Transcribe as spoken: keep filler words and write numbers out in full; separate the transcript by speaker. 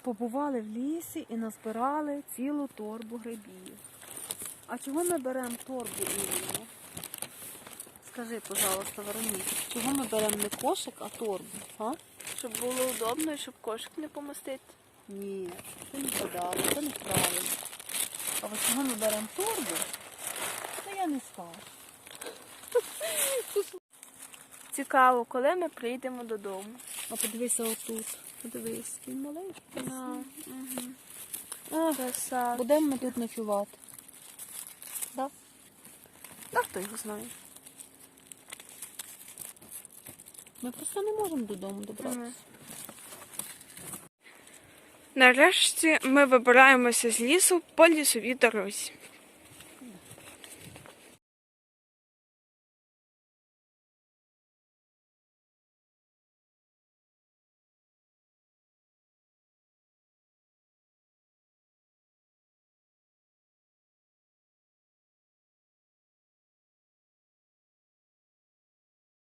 Speaker 1: побували в лісі і назбирали цілу торбу грибів. А чого ми беремо торбу іменно? Скажи, пожалуйста, Вероніка, чого ми беремо не кошик, а торбу? А?
Speaker 2: Щоб було удобно і щоб кошик не помістити.
Speaker 1: Ні, це не подали, це неправильно. А от чого ми беремо торбу, то я не скажу.
Speaker 2: Цікаво, коли ми прийдемо додому.
Speaker 1: А подивися отут. Подивись, він маленький.
Speaker 2: Да.
Speaker 1: Угу.
Speaker 2: Краса.
Speaker 1: Будемо ми тут ночувати. Да?
Speaker 2: А хто його знає?
Speaker 1: Ми просто не можемо додому добратися.
Speaker 2: Мгм. Нарешті ми вибираємося з лісу по лісовій дорозі.